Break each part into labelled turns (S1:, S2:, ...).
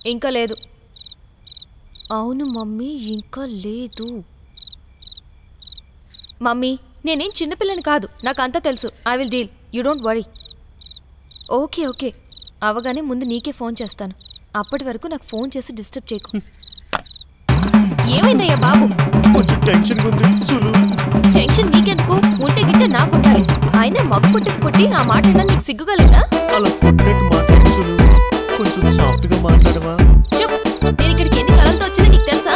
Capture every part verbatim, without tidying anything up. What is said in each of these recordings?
S1: ఇంకా లేదు. అవును మమ్మీ, ఇంకా లేదు. మమ్మీ నేనేం చిన్నపిల్లని కాదు, నాకు అంతా తెలుసు. I will deal, you don't worry. Okay okay, అవగానే ముందు నీకే ఫోన్ చేస్తాను. అప్పటి వరకు నాకు ఫోన్ చేసి డిస్టర్బ్ చేయకు. ఏమైందయ్యా బాబు? టెన్షన్ నీకెందుకు? ఉంటే గిట్ట నాకు ఉండాలి. అయినా మగ పుట్టుకు పుట్టి ఆ మాట నీకు సిగ్గుగలదా? చెప్పు, నేను ఇక్కడికి ఎన్ని కలలతో వచ్చినా నీకు తెలుసా?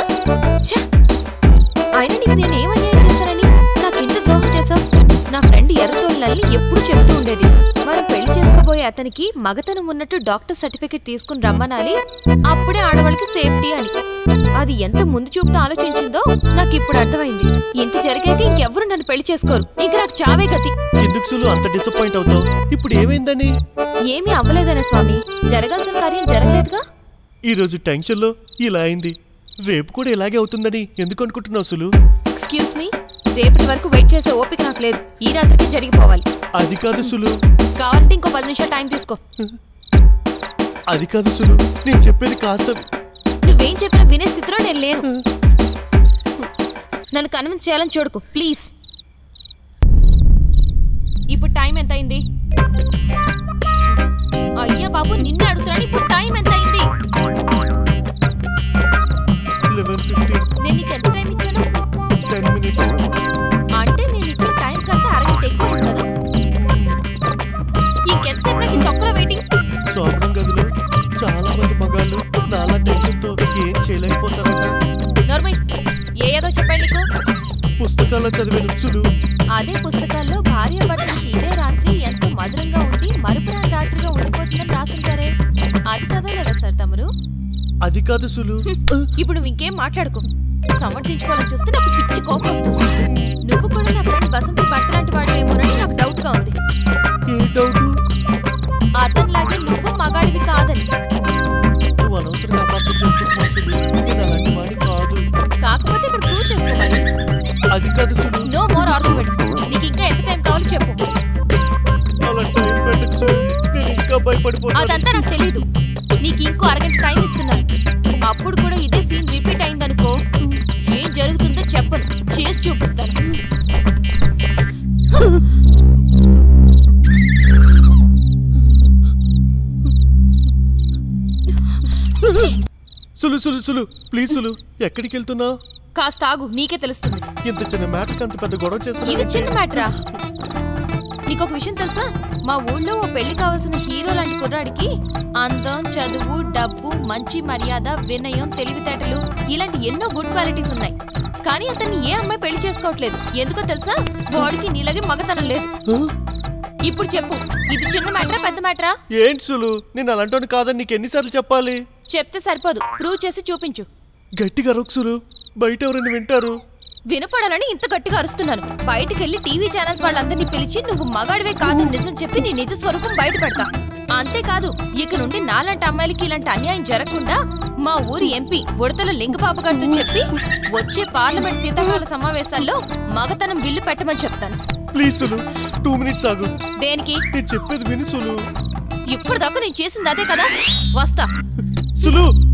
S1: అయినా నీకు నేను ఏం అన్యాయం చేశానని నాకు ఇంత ద్రోహం చేశావు? నా ఫ్రెండ్ ఎర్రతోళ్ళని ఎప్పుడు చెప్తూ ఉండేది, మనం పెళ్లి చేసుకోబోయే అతనికి మగతనం ఉన్నట్టు డాక్టర్ సర్టిఫికెట్ తీసుకుని రమ్మనాలి, అప్పుడే ఆడవాళ్ళకి సేఫ్టీ అని. అది ఎంత ముందు చూపుతో ఆలోచించిందో నాకు ఇప్పుడు అర్థమైంది. ఇంత జరిగాక ఇంకెవ్వరు నన్ను పెళ్లి చేసుకోరు. ఇక నాకు చావే గతి.
S2: ఎందుకు అంత డిసప్పాయింట్ అవుతావు? ఇప్పుడు ఏమైందని?
S1: ఏమీ అవ్వలేదనే స్వామి, జరగాల్సిన కార్యం జరగలేదుగా.
S2: ఈ రోజు టెన్షన్ లో ఇలా అయింది, రేపు కూడా ఇలాగే అవుతుందని ఎందుకు అనుకుంటున్నావు సులు?
S1: ఎక్స్క్యూజ్ మీ, రేపటి వరకు వెయిట్ చేసే ఓపిక నాకు లేదు. ఈ రాత్రికి జరిగిపోవాలి.
S2: అది కాదు సులు.
S1: కావాలంటే ఇంకో పది నిమిషాలు టైం తీసుకో.
S2: అది కాదు సులు, నేను చెప్పేది కాస్త.
S1: నువ్వేం చెప్పినా వినే స్థితిలో నేను లేను. నన్ను కన్విన్స్ చేయాలని చూడకు ప్లీజ్. ఇప్పుడు టైం ఎంత అయింది? అయ్యా బాబు, నిన్నే అడుగుతున్నాను. ఇప్పుడు టైం ఎంత అయింది? నేను నీకు ఎంత టైం ఇచ్చాను? అంటే నేను ఇచ్చిన టైం కంటే అరగంట ఎక్కువైంది కదా. ఇంకెంతసేపు నాకు ఈ తొక్కలో వెయిటింగ్?
S2: సోమరం గదిలో చాలా మంది మగాళ్ళు నాలా టెన్షన్ తో ఏం చేయలేకపోతారట.
S1: నార్మల్ ఏ ఏదో చెప్పండి నీకు.
S2: పుస్తకాల్లో చదివిన సులు.
S1: అదే పుస్తకాల్లో భార్య భర్తలకి ఇదే రాత్రి ఎంత మధురంగా ఉండి మరుపురాని రాత్రిగా ఉండిపోతుందని రాసుంటారే, అది చదవలేదా సార్ తమరు?
S2: అది కాదు సులు.
S1: ఇప్పుడు నువ్వు ఇంకేం మాట్లాడుకో. సమర్థించుకోవాలని చూస్తే నాకు పిచ్చి కోపం వస్తుంది. నువ్వు కూడా నా ఫ్రెండ్ బసంతి భర్త లాంటి వాడేమోనని నాకు డౌట్ గా ఉంది.
S2: ఏ డౌట్?
S1: అతనిలాగే నువ్వు మగాడివి కాదని.
S2: నువ్వు అనవసరంగా అపార్థం చేసుకుంటున్నావు సులు. నేను అలాంటి వాడి కాదు.
S1: కాకపోతే ఇక్కడ ప్రూవ్ చేసుకోవాలి.
S2: అది కాదు సులు.
S1: No more arguments. నీకు ఇంకా ఎంత టైం కావాలో చెప్పు.
S2: అలా టైం పెట్టకు సులు, నేను ఇంకా భయపడిపోతాను.
S1: అదంతా నాకు తెలీదు. నీకు ఇంకో అరగంట టైం ఇస్తున్నాను. అప్పుడు కూడా ఇదే సీన్ రిపీట్ అయిందనుకో, ఏం జరుగుతుందో చెప్పను, చేసి చూపిస్తాను.
S2: సులు సులు సులు ప్లీజ్ సులు, ఎక్కడికి వెళ్తున్నావు?
S1: కాస్త ఆగు, నీకే తెలుస్తుంది.
S2: ఇంత చిన్న మ్యాటర్కి అంత పెద్ద గొడవ చేస్తున్నా.
S1: ఇది చిన్న మ్యాటరా? నీకొక విషయం తెలుసా? మా ఊళ్ళో ఓ పెళ్లి కావాల్సిన హీరో లాంటి కుర్రాడికి అందం, చదువు, డబ్బు, మంచి మర్యాద, వినయం, తెలివితేటలు ఇలాంటి ఎన్నో గుడ్ క్వాలిటీస్ ఉన్నాయి. కానీ అతన్ని ఏ అమ్మాయి పెళ్లి చేసుకోవట్లేదు. ఎందుకో తెలుసా? వాడికి నీలాగే మగతనం లేదు. ఇప్పుడు చెప్పు, ఇది చిన్న మ్యాటరా పెద్ద మ్యాటరా?
S2: ఏంటి సులు, నేను అలాంటి కాదని నీకు ఎన్నిసార్లు చెప్పాలి?
S1: చెప్తే సరిపోదు, ప్రూవ్ చేసి చూపించు.
S2: గట్టిగా అరవకు సులు, బయట ఎవరైనా వింటారు.
S1: వినపడాలని ఇంత గట్టిగా అరుస్తున్నాను. బయటకెళ్లి టీవీ ఛానల్స్ వాళ్ళందరినీ పిలిచి నువ్వు మగాడివే కాదు నిజం చెప్పి నీ నిజ స్వరూపం బయట పెడతా. అంతేకాదు, ఇక నుండి నాలాంటి అమ్మాయిలకి ఇలాంటి అన్యాయం జరగకుండా మా ఊరి ఎంపీ ఉడతల లింగబాబు గారితో చెప్పి వచ్చే పార్లమెంట్ శీతాకాల సమావేశాల్లో మగతనం బిల్లు పెట్టమని చెప్తాను.
S2: ప్లీజ్ సులు, టూ మినిట్స్ ఆగు.
S1: దేనికి?
S2: నేను చెప్పేది విను సులు.
S1: ఇప్పుడు దాకా నేను చేసింది అదే కదా, వస్తా.
S2: సులు